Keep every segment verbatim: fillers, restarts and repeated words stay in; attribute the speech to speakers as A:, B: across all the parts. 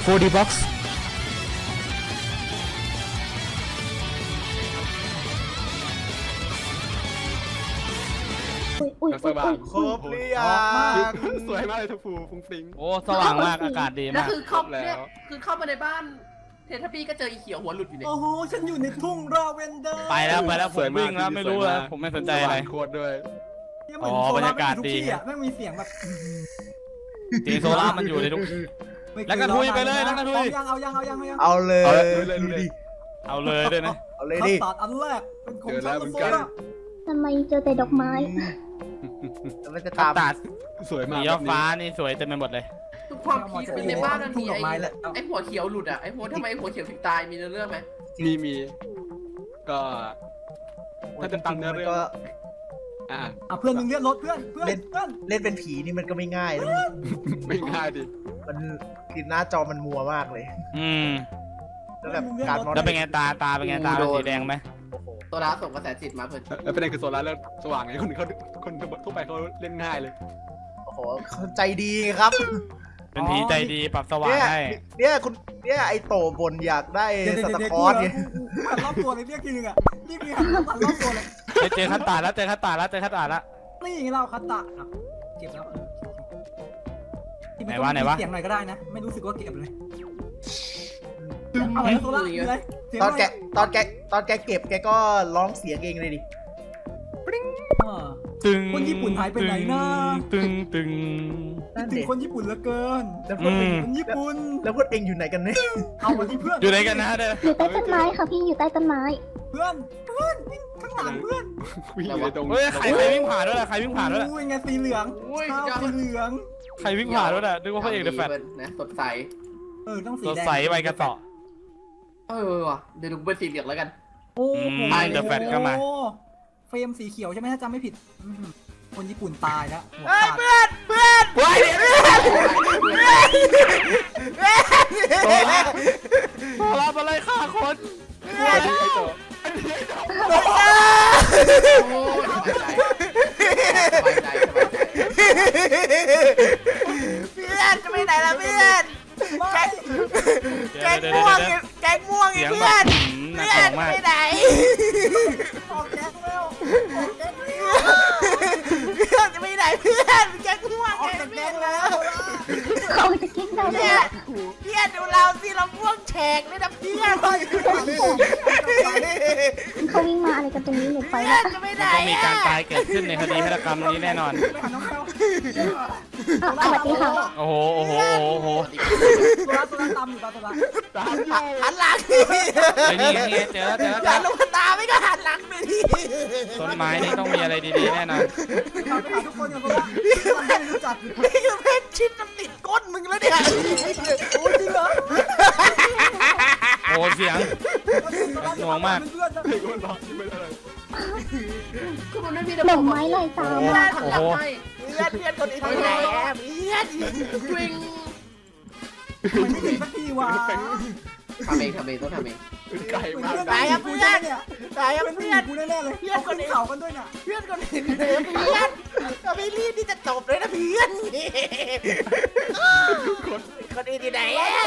A: โฟร์ ดี Box
B: อุ้ย
C: สว่าง
D: ครบหรือยัง
C: สวยมากเลยทัฟฟูฟุ้งฟิ้ง
A: โอ้สว่างมากอากาศดี
E: แล้ว
A: มาก
E: คือเข้า
C: แล้ว
E: เนี่ยคือเข้ามาในบ้านเททับบี้ก็เจออีเขียวหัวหลุดอยู่เนี่ย
D: โอ้โหฉันอยู่ในทุ่งราเวนเดอร์
A: ไปแล้วไปแล้วผมวิ่งแล้วไม่รู้แล้วผมไม่สนใจอะไร
C: โคตรด้วย
D: เนี่ยเหมือน
A: อ๋อ
D: โซ
A: บรร
D: ล่าย
A: ากาศ
D: ทุก
A: ดี
D: ที่อ่ะแม่งมีเสียงแบบ
A: สีโซล่ามันอยู่ในทุก
D: ไม่เค
A: แล้วก็ทุยไปเลยแล้วก็ทุย
D: เอายังเอายังเอายังเอายัง
B: เอาเลย
C: เอาเลยดูดิ
A: เอาเลยด้วยนะ
B: เอาเลย
D: คั
B: ดิ
D: สตาร์ดอันแรกเป็นของ
C: เจอแล้
D: ฉั
C: วน เหมือน
D: โซ
C: กัน
D: ล่า
B: ทำไมเจอแต่ดอกไม้แล้วมันจะ
A: ตั
B: ตา
A: ด
B: ม
A: ตัด
C: สวย
A: สี
C: มาก
A: ยอดฟ้านี่สวยเต็มไปหมดเลย
E: ทุกความพีคเป็นในบ้านมันมีไอ้ไอ้หัวเขียวหลุดอ่ะไอ้หัวทำไมหัวเขียวถึงตายมีเรื่องไหม
C: มีมีก็ถ้าจะตามเนื้อ
B: มัน
C: เรื่อง
B: ก็
C: อ่ะ
D: อ่ะเพื่อนมึงเรียกรถเพื่อนเพื่อน
B: เล่น
D: เพื่อน
B: เล่นเป็นผีนี่มันก็ไม่ง่ายนะ
C: ไม่ง่ายดิ
B: มันคือหน้าจอมันมัวมากเลย
A: อืม
B: แล้วแบบการมอง
A: แล้วเป็นไงตาตาเป็นไงตาเป็นสีแดงไหม
B: โอ้โห
E: ตัวร้าส่งกระแสจิตมาเพื่อน
C: แล้วประเด็นคือโซล่าเรื่องสว่างไงคนเขาคนทั่วไปเขาเล่นง่ายเลย
B: โอ้โหเขาใจดีครับ
A: เป็นผีใจดีปรับสว่าง
B: เนี่ย
A: ให้
B: เนี่ยคุณเนี่ยไอโตบนอยากได้
D: เดี๋ยว
B: ส
D: เดี๋ยว
B: ตา
D: เดี๋ยว
B: ร์คอร์ส
D: เดี๋
B: เนี่ย
D: ยวกูหันรอบตัวเลยเรียกทีนึงอ่ะนี่คือหันรอบรอบตัวเลย
A: เฮ้ยเจอคัตตาแล้วเจอคัตตาแล้วเจอคัตตาแล้ว
D: นี่ไงเราคัตตะอ่ะเก็บแล้วเออที่มั
A: ไหนวะไหนวะ
D: มีเสียงหน่อยก็ได้นะ ไม่รู้สึกว่าเก็บเลยเอาอะไรโซล่ามีอะไรเสียง
B: ตอน
D: ห
B: แกตอนแกตอนแกเก็บแกก็ร้องเสียงเองเลยดิ
D: เออ
A: ตึง
D: คนญี่ปุ่นหายไปไหนนะ
A: ตึงตึง
B: นั่น
D: ถึง
B: ดิ
D: คนญี่ปุ่นเหลือเกิน
B: แล้วพวกเอง
D: คนญี่ปุ่น
B: แล้วพวกเองอยู่ไหนกันเนี่ย
D: เอามาที่เพื่อน
A: อยู่ไหนกันนะเด้อ
B: อยู่ใต้ต้นไม้ค่ะพี่อยู่ใต้ต้นไม้
D: เพื่อนเพื่อนวิ่งข้างหลังเพื่อน
C: วิ่งอยู่ในตรง
A: เฮ้ยใครใครวิ่งผ่านด้วยล่ะใครวิ่งผ่านด้วยล่ะ
D: อุ้ยไงสีเหลือง
E: อุ้ย
D: ข้าว
E: จะ
D: สีเหลือง
A: ใครวิ่งผ่านด้วยล่ะนึกว่าพระเอกเดอะแฟต
E: นะสดใส
D: เออต้องสี
A: สด
D: แดง
A: ใสใบกระเต่อ
E: เออว่ะเดี๋ยวดูเป็นสีเหลืองแล้วกัน
D: โอ้
A: อืม
D: โห
A: The Fat ก็มา
D: เฟรมสีเขียวใช่ไหมถ้าจำไม่ผิดอื้อหือคนญี่ปุ่นตายแล้วหัว
B: เฮ้ย
D: ขาด
B: เพื่อนเพื่อน
A: ว้าย
B: เพื่อน
A: พอรับอะไรฆ่าคน
C: ไอ้โต
E: โอ้ยสบายใจสบายใจสบายใจ
B: เพื่อนจะไปไหนล่ะเพื่อนแกงแกง
A: เดี๋ยว
B: ม่วง
A: เดี๋ยว
B: แกงม่วงไง
A: เสียง
B: เพื่
A: แบ
B: อบ น
A: หืมหนัก
B: เพื่
A: ห
B: อ
A: น่วน งมาก
B: ไปไหน
D: ออกแก๊สแล้วออกแก๊สแล้ว
B: เพื่อนจะไปไหนเพื่อนแกงม่วง
D: ออก
B: แก
D: จาก
B: ง
D: แก๊
B: ม่ว
D: ส
B: ง
D: แล้ว
B: เขาจะกินเราเนี่ยเพื่อนดูเราสิเราม่วงแฉกเลยนะเพื่อน เขาวิ่งมาอะไรกันตรงนี้หนูไปแล้วจะไปไหน
A: ต้องมีการตายเกิดขึ้นในคดีฆาตกรรมนี้แน่นอน
D: ไปหาน้องแก้ว
B: สวัสดีค่ะ
A: โอ้โหโอ้โหโอ้โห
D: ตัวละตัวละตามอยู่ปะตัวละ
C: ตามอยู่
B: หันหลัง
A: ไอ้นี่ไงนี่ไงเจอแล้วเจอแล้วเจ
B: หั
A: อน
B: ลงมาตาไม่ก็หันหลังไปดิ
A: ต้นไม้นี่ต้องมีอะไรดีๆแน่นอน
D: ไปหาทุกคนกันตัวละไม่รู้จัก
B: นี่คือเพชรชิดมันติดก้นมึงแล้วเนี่ย
D: โอ้ยจริงเหรอ
A: โอ้เสียง หน่วงมาก
D: เพื่อนๆ
C: ไอ้คนร้องไม่ได้เลย
E: คือมันไม่มี
B: ดอกไม้ลอยตาม
E: ไม่ได้ทำหลังให้
B: เพื่อนเพื่อนคนนี้ทำไงแอบเพื่อน
E: ทวิง
D: มันไม่ถึงสักทีว่ะ
E: ทำเองทำเองต้องทำเอง
C: ไกลมาก
B: ตายครับเพื่อนตายครับ
D: เป็นผู้
B: เพื่
D: ห
B: อ
D: ญิ
B: น
D: งกูแน่ๆเลยเอาคนเข่ากันด้วยน่ะ
B: เพื่อนคนนี้เพื่อนก็ไม่รีบที่จะจบเลยนะเพื่อนคนนี้ที่ไหน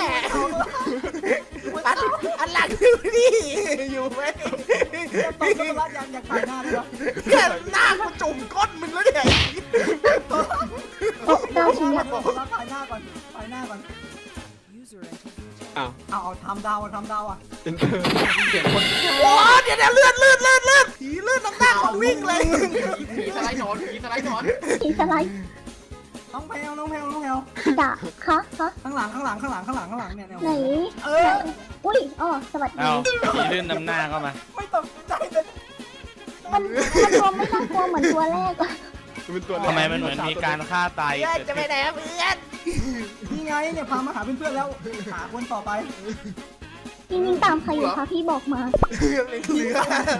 B: อันอันหลังอยู่นี่อยู่ไหม
D: ตอนตัวละยังอยากถ่ายหน้าด้วยวะ
B: เพื่อนหน้ากูจุ่มก้นมึงแล้วเนี่ย
D: เก้าชิ้นเนี่ยตัวละถ่ายหน้าก่อนถ่ายหน้าก่อน
C: อ้าว
D: เอาเอาทำดาวทำดาวอ่ะ
C: เป็นเธอ
E: เสียงคน
B: โอ้เดี๋ยวเดี๋ยวเลื่อนเลื่อนเลื่อนเลื่อนผีเลื่อนน้ำหน้าของวิ่งเลย
E: ผีสไลด์หนอนผีสไลด์หนอน
B: ผีสไลด์
D: น้องแพลวน้องแพลวน้องแพลว
B: ด่าคะคะ
D: ข้างหลังข้างหลังข้างหลังข้างหลังข้างหลังเนี่ยเนี่ย
B: ไหน
D: เออ
B: อุ้ยอ๋อสวัสดี
A: เอาผีลื่นนำหน้าเข้ามา
D: ไม่ตกใจเลย
B: มันมันตัวไม่น่ากลัวเหมือนตัวแรกอะ
C: เป็นตัว
A: ทำไมมันเหมือนมีการฆ่าตาย
B: เพื่อน
A: เกิด
B: จะไป
A: ขึ้น
B: ไหนเพื่อน
D: นี่ไงเนี่ยพามาหาเพื่อนๆแล้วหาคนต่อไป
B: พี่วิ่งตามใครอยู่คะพี่บอกมาเหลือเหลือ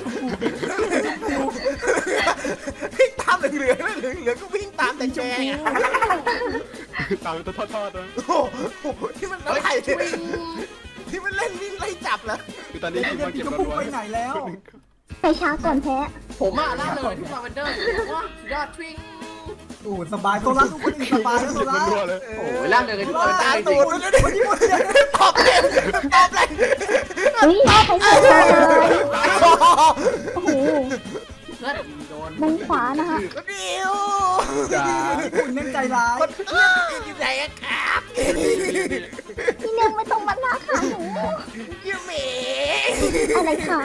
B: วิ่งตามเหลือเหลือเหลือเหลือก็วิ่งตามแต่แจง
C: ตามเป็นทอดๆนะ
B: โอ้โหที่มันอะไรที่มันเล่นวิ่งไล่จับเหรอ
C: คือตอนนี้
D: เดี๋ยว
C: ที่
D: เดี๋ยว
C: มา
D: พี่
C: เก็บ
D: ก็
C: รั
D: พุ่ง
C: ว
D: ไปไหนแล้ว
B: ไปช้าก่อนแพ้
E: ผมอ่ะล่าเลยที่ลาเวนเดอร์ว่าสุดยอดทวิง
D: โอ้สบายโซล่าทุกคนอื่นสบายแล้วโซล่า
C: รัวเลย
E: โอ้ยร่างเดินกันทุกคน
B: ตา
E: ได้จ
B: ตู
E: ริง
B: ดมันคนญี่ปุ่นตอบเลยตอบเลย
F: เฮ้ยใครเกิดมาเลยโอ้โห
E: เพื่อนโดน
F: ด้านขวานะคะ
B: ดิว
C: จ้า
D: ญี่ปุ่นแม่งใจร้าย
B: คนเพื่อนอยู่ไหนครับ
F: พี่เนื่องไม่ต้องมาลากขาหนู
B: ยูเม
F: อะไรคะ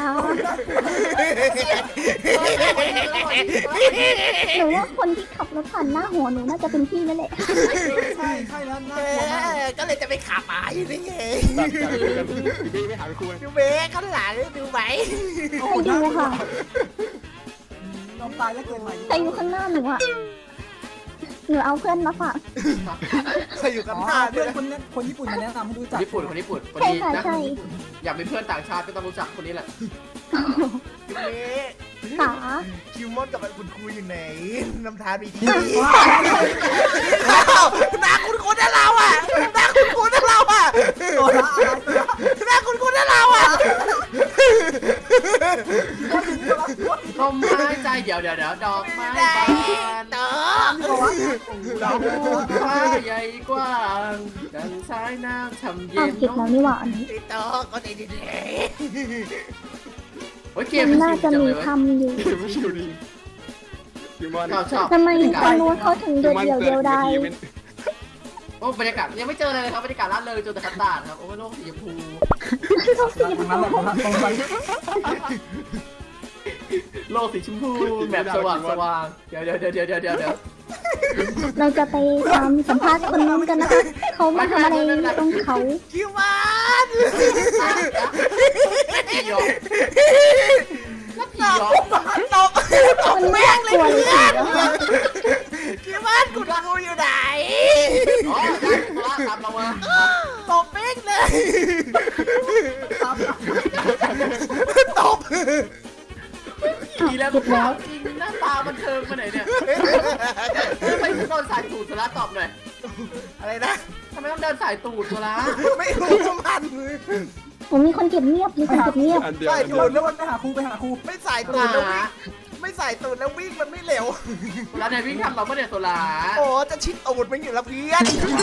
F: หนูว่าคนที่ขับรถผ่านหน้าหัวหนูน่าจะเป็นพี่นั่นแหละ
D: ใช่ใช่แล้วน่า
B: เอก
D: ลัวมาก
B: อก็เลยจะไปขับหมาอยู่นี่ไง
C: พี่ไม่หาไปคุย
B: ยูเมข้างหลังดูไหม
F: ไปดูค่ะ
D: ยอมตายแล้วเกินใหม่
F: ใครอยู่ข้างหน้าหนูอ่ะหนูเอาเพื่อนมาฝาก
B: ใครอยู่กับ
D: อ๋อ
B: หน้า
D: เพื่
B: ด้
D: อ
B: วน ย
D: คนนี้คนญี่ปุ่นมาแนะนำให้รู้จัก
E: ญี่ปุ่นคนญี่ปุ่นคน
F: ใช่
E: นี้
F: ค่ะ
E: นะ
F: ใช่
E: อยากเป็นเพื่อนต่างชาติก็ต้องรู้จักคนนี้แหละ
B: ยูเม
F: ขา
B: คิวมอนกับคุณครูอยู่ไหนน้ำทานมีที่
D: ว้า
B: หน้าคุณคุณนะเราอ่ะหน้าคุณคุณนะเราอ่ะ
D: โซล่าอะไรโซล่า
B: หน้าคุณคุณนะเราอ่ะ
E: ดอกไม้ใจเดี๋ยวเดี๋ยวเดี๋ยวดอกไม้บาน
B: เต๋อ
E: ดอกฟ้าใหญ่กว้างดังสายน้ำช่ำเย็
F: อ้าวน ผิดแล้วนี่หว่าอันนี้
B: เต๋อก็ดีดี
E: โอ้ยเก
F: มั
E: ม
F: นน่าจะมีทำอยู่
C: ไม่ชิวดีคิวมอน
E: ชอบชอบ
F: ทำไมคนนู้นเขาถึงเดียวเดียวเดียวได้
E: โอ้บรรยากาศยังไม่เจอเลยครับบรรยากาศร่าเริงเจอแต่คัตตาร์ดครับโอ้โลกสีชมพู
D: ตรงนั้นแหละตรงนั้นตรงนั้น
E: โลกสีชมพูแบบสว่างสว่างเดี๋ยวเดี๋ยวเดี๋ยวเดี๋ยวเดี๋ยวเดี๋ยว
F: เราจะไปตามสัมภาษณ์คนนู้นกันนะคะเขามาทำอะไรตรงเขา
B: คิวมัน
E: ผีหยอกผีหยอก
B: ตกตก
F: มัน
B: แม่
F: น่าง
B: เล
F: ก
B: ย
F: ลัวเลย
B: เพื่อน
F: แล้วค่ะ
B: คิวมันคุณครูอยู่ไหน
E: อ๋อได้ตัวตามเรามา
B: ตกแม่งเลยตก
E: ผีแล้วผีแล้วจริงหน้าตามันเทิงมาไหนเนี่ยทำไมถึงโดนสายตูดโซล่าตอบหน่อย
B: อะไรนะ
E: ทำไมต้องเดินสายตูดโซล่า
B: ไม่รู้มัน
F: ผมมีคนเก็บเงียบมีคนเก็บเงียบ
C: อันเดียว
B: ใส่
C: อันเดี
B: ตู
C: ยว
B: ดแล้ว
D: ไปหาครูไปหาครู
B: ไม่ใส่ตูดแล้ววิ่งไม่ใส่ตูดแล้ววิ่งมันไม่เร็ว
E: แล้วเนี่ยวิ่งทำเราไม่ได้โซล่า
B: โอ้จะชิดตูดมันอยู่แล้วเพื่อน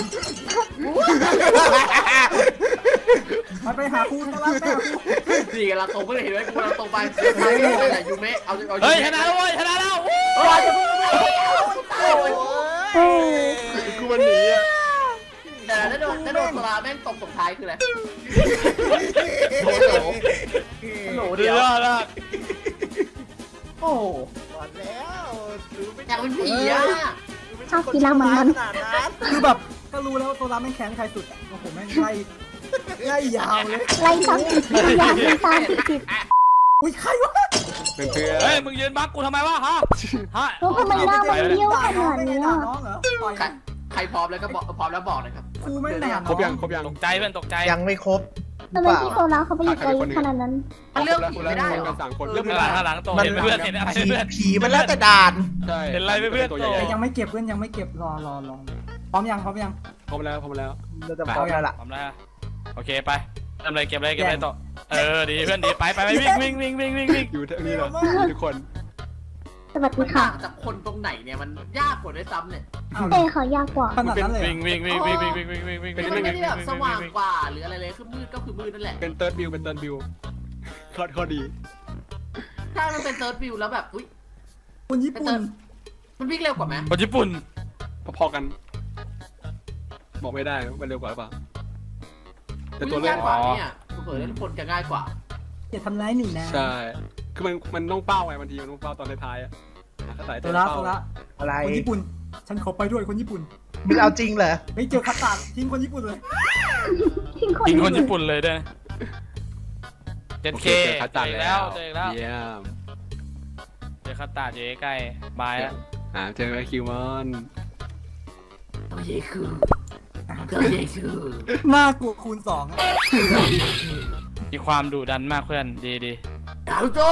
D: ไปไปหาครูโซล่าไปหาครู
E: นี่กันเราตรงไปเลยเห็นไหมกูเราตรงไปทางนี้อะไรยูเมะเอาเอา
A: เฮ้ยชนะแล้วเว้ยชนะแล้ว
E: โอ้ยจะพูดไม่ได้ตายเลย
F: เออ
C: กูมันหนีอ่ะ
E: แต่แล้วโดนแล้วโดนโซล่าแม่งตบตบท้ายคืออะไร
B: โอ้โห
E: โหล
A: เดี๋
E: เดี
A: ย
E: ยว ว
A: ละ
E: โอ้โห
B: หมดแล้วหรือไม่
E: อยากเป็นผีอ่ะ
F: ชอบกีฬามัน
B: ข
F: มัน
B: นาดนั้น
D: คือแบบก็รู้แล้วว่าโซล่าแม่งแค้นใครสุดอ่ะโอ้โหแม่งไล่ไล่ยาวเลย
F: ไล่ตามติดติดอยากเป็นตามติดติด
D: อุ้ยใครวะ
C: เป็นเพื่อน
A: เฮ้ยมึงยืนบักกูทำไมวะฮะฮะ
F: แล้วทำไมหน้ามันเบี้ยวขนาดเนี้ย
D: น้องเหรอปล่อย
E: ใครใครพร้อมแล้วก็บอกพร้อมแล้วบอกนะครับ
D: ครูแม่งด่า
C: ครบยังครบยัง
A: ตกใจเพื่อนตกใจ
B: ยังไม่ครบ
F: ทำไมพี่โซล่าเขาไปอยู่ไกลขนาดนั้น
E: มันเรื่องผีไม่ได้หรอ
C: กันสามคน
A: เรื่
C: เรื่
A: อ
C: อง ง
A: ข้างหลังข้างหลังโตเห็นเพื่อนเห็นอะไร
B: ผี
A: เพื่อน
B: ผีมันแล้วแต่ด่าน
C: ใช่
A: เห็นอะไรไหมเพื่อน
C: ตัว
A: โต
C: ใหญ่
D: แต่ยังไม่เก็บเพื่อนยังไม่เก็บรอรอรอพร้อมยังพร้อมยัง
C: พร้อมแล้วพร้อมแล้ว
B: เราจะพร้อมแล้วล่ะ
A: ทำได้โอเคไปทำอะไรเก็บอะไรเก็บอะไรโตเออดีเพื่อนดีไปไปไปวิ่งวิ่งวิ่งวิ่งวิ่งวิ่ง
C: อยู่ที่นี่เลยทุกคน
F: สวัสดี
E: มัน
F: ค่ะ
E: ต่างจากคนตรงไหนเนี่ยมันยากกว่าด้วยซ้ำเนี่ย
F: เต้เขายากกว่า
D: ขนาดนั้นเลย
A: วิ่งวิ่งวิ่งวิ่งวิ่งวิ่งวิ่งวิ่งวิ่ง
E: มันไม่ได้แบบสว่างกว่าหรืออะไรเลยคือมืดก็คือมืดนั่นแหละ
C: เป็นเติร์ดบิวเป็นเติร์ดบิวคอดข้อดี
E: ถ้ามันเป็นเซิร์ชวิวแล้วแบบอุ้ย
D: คนญี่ปุ่น
E: มันวิ่งเร็วกว่าไหม
A: คนญี่ปุ่น
C: พอๆกัน บอกไม่ได้มันเร็วกว่าหรือเปล่าแต่ตัว
E: วิ่ง
C: เลือก
E: ยากกว่าเนี่ยเผื่อทุกคนจะง่ายกว่า
D: อย่าทำร้ายหนูนะ
C: ใช่คือมันมันต้องเป้าไงบางทีมันต้องเป้าตอนท้ายๆอ่ะถ้าสาย
D: โซ
C: เต้น
D: ล่า
C: เป้า
D: โซล่า
B: อะไร
D: คนญี่ปุ่น ฉันขอไปด้วยคนญี่ปุ่น
B: มึงเอาจริงเหรอ
D: ไม่เจอคัตตาทิ้งคนญี่ปุ่นเลย
F: ทิ้งคน
A: ยิงคน
F: ญี่
A: ญี่
F: ปุ่น
A: ปุ่นเลยด้วยเจ็ด
C: โอ
A: เค
C: เจอคัตตา
A: เจอ
C: แล้
A: แล้ว วเจอแล้ว
C: เยี่ยม
A: เจอคัตตาเจอใกล้บายแล้ว
C: อ่าเจอไอคิวมอน
E: ตัวเยคือตัวเยคือ
D: น่ากลัวคูณสองอะ
A: มีความดุดันมากเพื่อนดีดี
E: ดาวโจ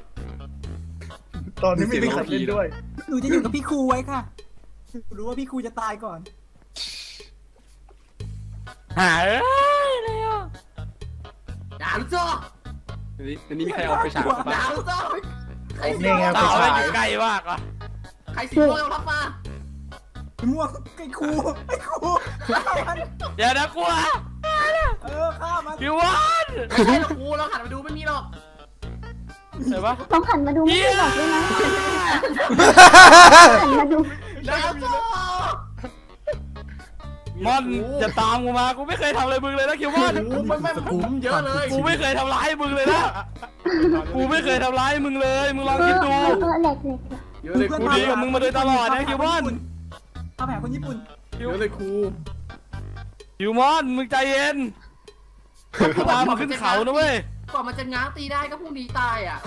B: ตอนนี้ไม่มีใครเล่นด้วย
D: หนูจะอยู่กับพี่ครูไว้ค่ะรู้ว่าพี่ครูจะตายก่อน
A: หาเอ้ยเลยอ่ะ
E: ดาวโจ
C: อันนี้อันนี้มีใครเอาไปฉาก
E: ดา
C: บ้าง
E: วโจใคร
B: นี่ไง
A: สาวไม่อยู่ใกล้มากอ่ะ
E: ใครสิโก้ยกทัพมา
D: ม่วงไอ้ครูไอ้ครูฆ่ามัน
A: อย่านะกลัว
D: เออฆ่ามัน
A: คิววัน
E: ไม่ใช่หรอกกูเราหันไปดูไม่มีหรอก
A: เห็นปะ
F: ต้องหันมาดูไม่ได้หรอกด้วยนะหันมาดู
E: แล้วโจ
A: มอนอย่าตามกูมากูไม่เคยทำอะไรมึงเลยนะคิวมอน
E: กูไม่ไม่ผมเยอะเลย
A: กูไม่เคยทำร้ายมึงเลยนะกูไม่เคยทำร้ายมึงเลยมึงลอง
F: เอ
A: คิด
F: อ
A: ดู
F: เออแหลกแหลก
E: เยอะเลย
A: กูดีกับมึงมาโดยตลอดนะคิวมอน
D: ทำแผนคนญี่ปุ่น
E: เยอะเลยครู
A: คิวมอนมึงใจเย็นกูตามมาขึ้นเขานะเว้ย
E: กว่ามันจะง้างตีได้ก็พรุ่งนี้ตายอ่ะ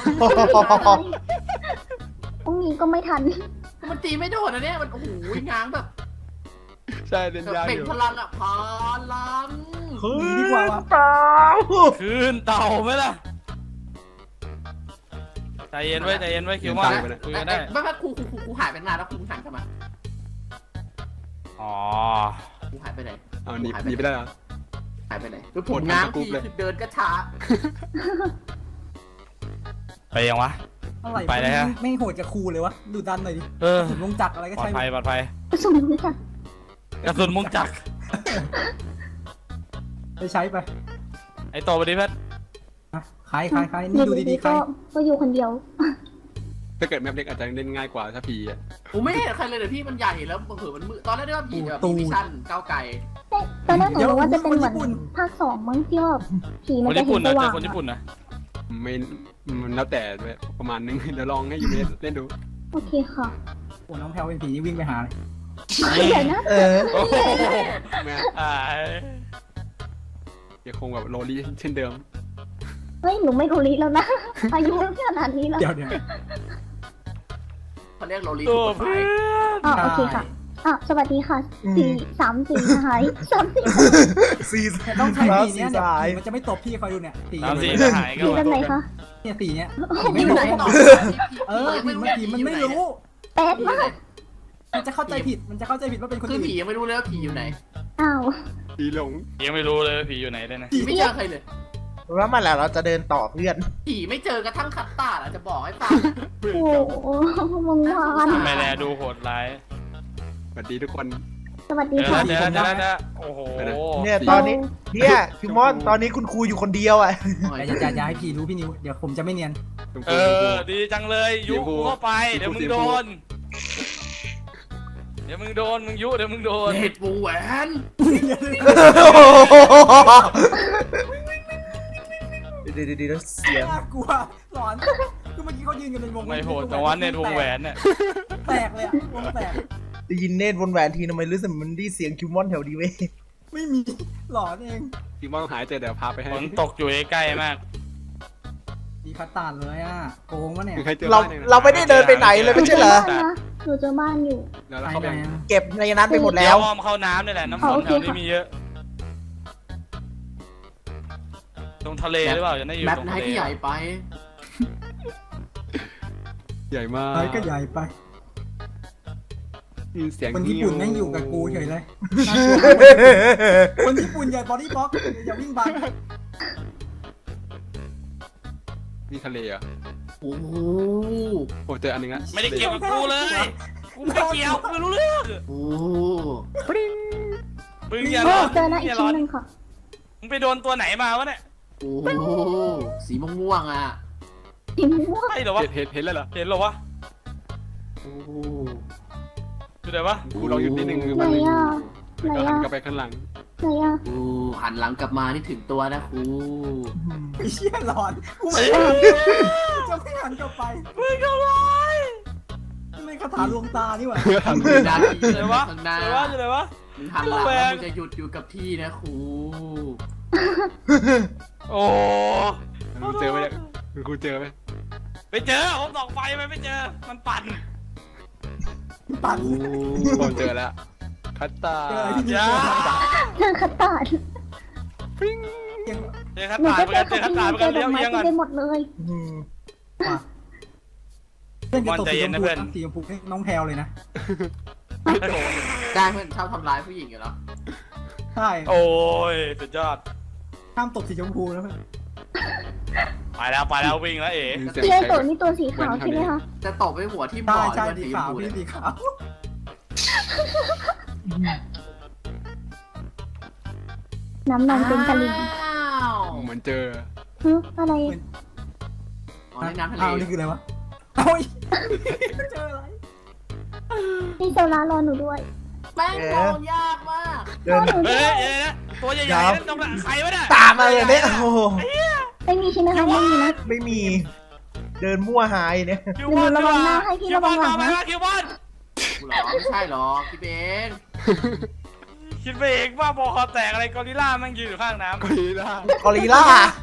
F: พรุ่งนี้ก็ไม่ทัน
E: มันตีไม่โดนนะเนี่ยมันโอ้โหง้างแบบ
C: ใช่เล่นยาก
E: เบ่
C: อง ยู่
E: พลังอ่ะพลัง
D: หนีดีกว่าวะ
A: คืนเต่าไหมล่ะใจเย็นไว้ใจเย็นไว้คิวมอนคุยกันได้
E: ไม่ไม่ครูครูครูครูหายไปนานแล้วครูหันกลับมา
A: อ๋อ
E: ครูหายไปไหน
C: เอาหนีหนีไปได้เหรอ
E: หายไปไหนคือผมง้างทีเดินก็ช้า
A: ไปยังวะ
D: อะไร
A: ไปเลยฮะ
D: ไม่โหดกับครูเลยวะดูดันหน่อยดิ
A: เออ
D: ผมลงจักรอะไรก็
A: ปลอ
D: ใช่
A: ดภัยปลอดภัย
F: สมมติค่ะ
A: กระสุนมุงจักร
D: ไปใช้ไป
A: ไอ้โตไปดิเพชร
D: อ่ะใครใครใคร
F: อ
D: นี่
F: ยู่
D: ดู
F: ดี
D: ดี
F: ๆ
D: ๆใคร
F: ก็ก็อยู่คนเดียว
C: ถ้าเกิดแมปเล็กอาจจะเล่นง่ายกว่าถ้าพีอ่ะ
E: ผมไม่เห็นใครเลยเดี๋ยวพี่มันใหญ่แล้วเผื่อมันมืดตอนแรกนึกว่าผีแบบมีวิชั่นก้าวไกล
F: ตอนแรกหนูรู้ว่าจะเป็นเหมือนภาคสองมั้งที่ว่าผี
A: ค
F: มัน
A: น
F: จะ
A: ญี่
F: เห็
A: ปุ่น
F: นส
A: นะเจ
F: ว่า
A: อง คนญี่ปุ่นนะ
C: ไม่มันแล้วแต่ด้วยประมาณนึงเดี๋ยวลองให้ยูเมเล่นดู
F: โอเคค่ะ
D: โอ้น้องแพลวเป็นผีนี่วิ่งไปหาเลย
F: เดี๋ยวนะ
B: เออ
A: โอ้โห
C: แม่
A: อ่า
C: ยังคงแบบโรลี่เช่นเดิม
F: เฮ้ยหนูไม่รู้ลิแล้วนะ อายุขนาดนี้แล้ว
D: เดี๋ยวเดี๋ยว
E: เขาเรียกโรลี
A: ตั
E: สุ
A: ว
E: ดท้า
A: เพื่
E: ย
A: อน
F: อ๋อโอเคค่ะอ่ะสวัสดีค่ะสี่สามสี่หายสามสี่
B: ซีซ
D: แต่ต้องใช้
B: แล้ว
D: สี
B: ซี
D: เนี้ยเดี๋ยว
B: สาย
D: ผีมันจะไม่ตบพี่คอยดูเนี่ยสี
A: สามสี่หายก็
F: สีแบบไหนคะ
D: เนี่ยสีเนี้ย
E: ไม่ไหนต่อ
D: เออผีมันผีมันไม่รู้
F: แปดมาก
D: มันจะเข้าใจผิดมันจะเข้าใจผิดว่าเป็นคน
E: คือ
D: อื่น
E: ผียังไม่รู้เลยว่าผีอยู่ไหน
F: อ้าว
C: พีหลง
A: ยังไม่รู้เลยว่าผีอยู่ไหนเลยนะ
E: ผีไม่เจอใครเลย
B: แล้วมาแล้วเราจะเดินต่อเพื่อน
E: ผีไม่เจอกระทั่งคัตตาร์ดจะบอกให้ฟัง
F: โอ้โหมึงวาน
A: ทำไมแลดูโหดร้าย
C: สวัสดีทุกคน
F: สวัสดี
A: เจอ
F: ค่ะ
A: แล้วเจอแล้วเจอแล้วเจอแล้วโอ้โห
B: เนี่ยตอนนี้เนี่ยคิวมอนตอนนี้คุณครูอยู่คนเดียวอ่ะ
D: แต่อย่าอย่าอย่าให้ผีรู้พี่นิวเดี๋ยวผมจะไม่เนียน
A: เออดีจังเลยยุกูเข้าไปเดี๋ยวมึงโดนเดี๋ยวมึงโดนมึงยุเดี๋ยวมึงโดน
E: เห็ดปูแหวน
B: เดี๋ยวเดี๋ยวเดี๋ยวเสียง
D: น่ากลัวหลอนคือเมื่อกี้เขายืนกันเป็นวง
A: ไม่โหดแต่วันเนี่ยวงแหวนเนี่ย
D: แตกเลยอะวงแตก
B: ได้ยินเนตรวนแหวนทีทำไมรู้สึกมันได้เสียงคิวมอนแถวดีเว้ย
D: ไม่มีหลอนเอง
C: ทีมอนหายเจอเดี๋ยวพาไปให้
A: ฝนตกอยู่ใกล้ๆมาก
D: มีคัตตาร์ดเลยอ่ะโกงวะเนี่ย
C: มีใครเจอ
B: เรา
C: บ้างเนี่ย
B: เราไม่ได้เดินไปไหนเลยไม่ใช่เหรอ
F: บ้านนะหนูเจอบ้านอยู่
C: เดี๋ยวเรา
D: ไป
C: เข้าไป
D: ไหนอะ
B: เก็บในนั้นไปหมด
A: แล้
B: แล้ว ว
A: อ้อมเข้าน้ำนี่แหละน้ำฝนแถวนี้มีเยอะ ตรงทะเลหรือเปล่าจะได้อยู่
E: แมป
A: ตรง
E: ไหน
A: ทะเล
E: ที่ใหญ่ไป
C: ใหญ่มาก
D: ไอ้ก็ใหญ่ไป
C: มีเสียง
D: คนญี่ปุ่นแม่งอยู่กับกูเฉยเลยน่ากลัวคนญี่ปุ่นใหญ่บอดี้บล็อกอย่าวิ่งบัง
C: นี่ทะเลเหรอ่ะ
E: โอ้โห
C: โอ้เจออันหนึงละ
A: ไม่ได้เกี่ยวกับกูเลยกูไม่เกี่ยวกูไม่รู้เรื่อง
E: โอ้
A: มึงอย่า
F: โอ้
A: ร้อน
F: เจอนะอี
A: อก ย่า
F: ชิ้
A: ร้อน น
F: หนึ่งค่ะ
A: มึงไปโดนตัวไหนมาวะเนี่ย
E: โหสีม่วงๆอ่ะ
F: สีม่วง
A: ใช่เหรอวะ
C: เห็นเห็นเห็นแล้วเหรอ
A: เห็นเหรอวะ
E: โอ้
A: อยู่ไหนวะ
C: กูลองหยุดนิดนึง
F: ไหนอ่ะไหน
C: ก็หัน
F: อ่ะ
C: กลับไปข้างหลัง
F: ไหนอ่ะ
E: ครูหันหลังกลับมานี่ถึงตัวนะครู
D: ไอ้เชี่ยหลอนกูไม่จะไม่หันกลับไป
A: มึงก็ร้าย
D: ไม่คาถาลวงตานี่หว่า
E: มือด้านที่
A: อยู่ไหนวะ
E: ข้าง
A: อ
E: หน้า
A: ยู่ไหนวะอยู่ไหนวะ
E: มึงหันหลังแล้วมึงจะหยุดอยู่กับที่นะครู
A: โอ้
C: กูเจอไหมเนี่ยกูเจอไหม
A: ไปเจอผมส่องไฟไปไม่เจอมันปั่น
D: ปั่น
C: กูเจอแล้วคัตตา
D: เจอที่นี่
A: อย่า
F: เจอคัตตาร์ด
D: ยัง
A: เจอขัน
F: หนู
A: ตา
F: ก็
A: เหมือน
F: เจ
A: กั
F: อน
A: เจ
F: คั
A: อ
F: ต
A: ขัน
F: ตา
A: ตา
F: ร์
A: เหมือนกันเลี้ยวเอียง
F: เจอดอกไม้เต็
A: กั
F: ม
A: น
F: ไปหมดเลย
D: อืมเพื่อนจะตก
A: ใจ
D: สี
A: เย็
D: ช
A: น
D: ม
A: นะ
D: พู
A: เพื่อน
D: สีชมพูให้น้องแพลวเลยนะ
E: ได้เพื่อนชอบทำร้ายผู้หญิงอยู่แล้ว
D: ใช่
A: โอ้ยสุดยอด
D: ห้ามตกสีชมพูนะเพื่อน
A: ไปแล้วไปแล้ววิ่งแล้วเอ๋
C: มีเสียง
F: พี่ไอ
C: ใคร
F: โตะนี่ตัวสีขาวใช่ไหมคะ
E: จะตบไปหัวที่บ่
D: ใช่
E: อ
D: ใช่
E: หรือ
D: สี
E: ว่าสีช
D: ขาม ว
E: พู
D: พี่
E: เนี่ย
D: สีขาว
F: น้ำนมเป็นตะลิง
E: อ้าว
C: เหมือนเจอ
F: ฮึอะไร
E: อ๋อในน้ำทะเล
D: อ้าวนี่คืออะไรวะเอ้ยเจออะไร
F: นี่โซลารอหนูด้วย
E: แม่งมองยากมาก
G: เดิน
F: หนูด้
A: เฮ้
F: วย ย
A: เดี๋ยวนะตัวใหญ่ๆนั่นตรงนั้นใครวะเนี่ย
G: ตามมาเลยเนี่ยโอ้โห
F: ไม่มีใช่ไหมคะไม่มีนะ
G: ไม่มี เดินมั่วหายเนี่ย
A: คิวบอล
F: ระวังหน้าให้พี่
A: คิวบอล
F: ระวังหลั
A: มาง ไหม
F: นะ
A: วะคิวบอล
E: กูเหรอไม่ใช่หรอกพี่เบน
A: คิดไปเองว่าบอคอแตกอะไรกอริลล่าแม่งยืนอยู่ข้างน้ำ
C: กอริลล่าก
G: อริลล่า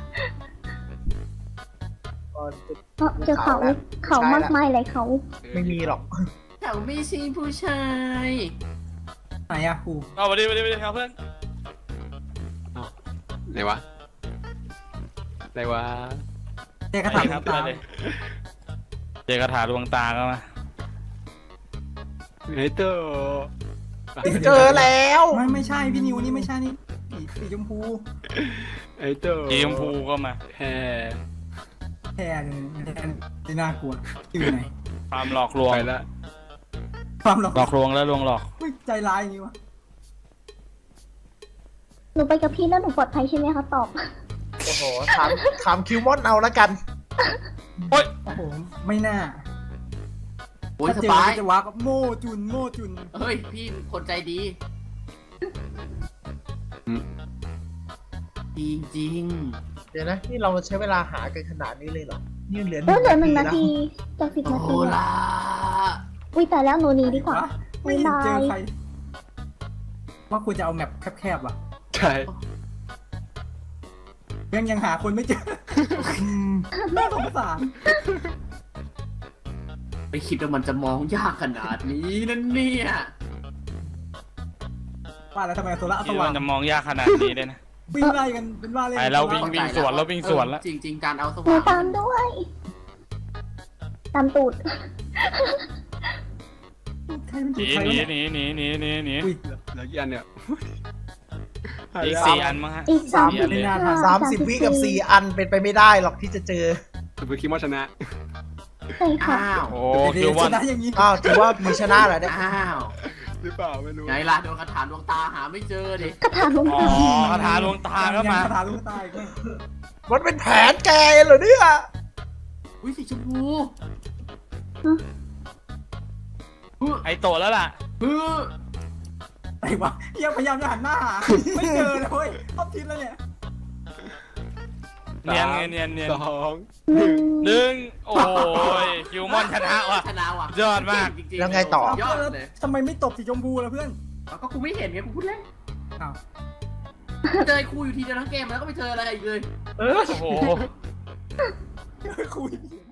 F: เออเจอเขาเขามากมายเลยเขา
G: ไม่มีหรอก
E: แถวไม่ใช่ผู้ชาย
D: ไหนอะครู
A: เอาไปดิไปดิไปดิครับเพื่อน
C: ไหนวะไหนวะ
D: เจอกระถาง
A: ครับ
D: ตา
A: ไปเลยเจอกระถาดวงตาก็มา
C: ไหนเตอร์
G: เจอแล้ว
D: ไม่ไม่ใช่พี่นิวนี่ไม่ใช่นี่สีสีชมพู
C: ไอเตอร์
A: สีชมพูก็มา
C: แฮ่
D: แทนแทนไม่น่ากลัวอยู่ไหน
A: ความหลอกลวง
C: ไปละ
D: ความหลอก
A: หลอกลวงแล้วลวงหลอก
D: ไม่ใจร้ายอย่างนี้วะ
F: หนูไปกับพี่แล้วหนูปลอดภัยใช่ไหมคะตอบ
G: โอ้โห ถามถามคิวมอนเอาแล้วกัน
A: โอ๊ย
D: โอ้โหไม่น่า
E: โอ้ย
D: ถ้า
E: ส
D: เจอ
E: บาย
D: ก็จะวักโม่จุนโม่จุน
E: เฮ้ยพี่คนใจดีจริงจริง
G: เดี๋ยวนะ นี่เราใช้เวลาหากันขนาดนี้เลยเหรอ นี่เหลือ
F: เออเหลือหนึ่งนา
G: แล้ว
F: ทีจากสิบ
E: โอ้
F: นาที
E: ล่ะ
F: อุ้ยแต่แล้วหนูหนีดีกว่า
D: ไม่เห็นเจอใครว่าควรจะเอาแมปแคบๆว่ะ
C: ใช่
D: ยังยังหาคนไม่เจอน่าสงสาร
E: ไม่คิดว่ามันจะมองยากขนาดนี้นั่นเนี่ย
D: ว่าแล้วทำไมโซล่า
A: คิ
D: ส
A: ด
D: ว่า
A: ว่าง จะมองยากขนาดนี้เลยนะ
D: วิ่งไล่กันเป็นว่าเล่น
A: ไปแล้ววิ่งวิ่งสวนแล้ววิ่งสวนแล้ว
E: จริงจริง ๆ การเอาส
F: หนู
E: ว่าง
F: ตามด้วย ตามตูด
D: ใครมัน
A: ห
D: จุ
A: นี
D: ดใคร
A: หนี
D: วะเนี่ย
A: หนีหนีหนีหนีหนี
D: อุ้ย
C: เหลือกี่อันเนี่ย
A: อีกสี่อันมั้งฮะ
F: อีกสาม
A: สี่
F: สิ
A: อั
F: บ
A: นเลย
F: ห้
G: สามสิบวิกับสี่อันเป็นไปไม่ได้หรอกที่จะเจอ
C: สุภคิมว่าชนะ
F: ใช่ค่ะ
E: อ้าว
A: โอ้
D: เดี๋
A: คิ
D: ยว ว
A: บอ
D: ช
A: ล
D: นะอย่างนี้
G: อ้าวถือว่ามีชนะเหรอเนี่ย
E: อ้าว
C: หรือเปล่าไม่รู้
E: ไงล่ะโดนกระถางดวงตาหาไม่เจอดิ
F: กระถางลง
A: อ๋อ
F: ตา
A: คาถาลวงตาก็มา
D: คาถาลูกตายก็
G: มันเป็นแผนแกเหรอเนี่ย
E: อุ้ยสีชมพู
A: ไอโตแล้วล่ะ
E: ฮือ
D: ไอ้วะยังพยายามจะหันหน้าหาไม่เจอเลยเว้ยท็อปทิศแล้วเนี่ย
A: เนียนไงเนียนเนียน
C: สอง
F: หนึ่ง
A: หนึ่งโอ้ยคิวมอนชนะว่ะ
E: ชนะว่ะ
A: ยอดมาก
E: จริงๆ
G: แล้วไงต่อ
E: ยอดเลย
D: ทำไมไม่ตบสีชมพูล่ะเพื่อน
E: เอาก็กูไม่เห็นไงกูพูดเล่น
D: อ้าว
E: เจอครูอยู่ทีเดียวทั้งเกมแล้วก็ไม่เจออะไรอีกเลย
A: โอ้โห
D: คุย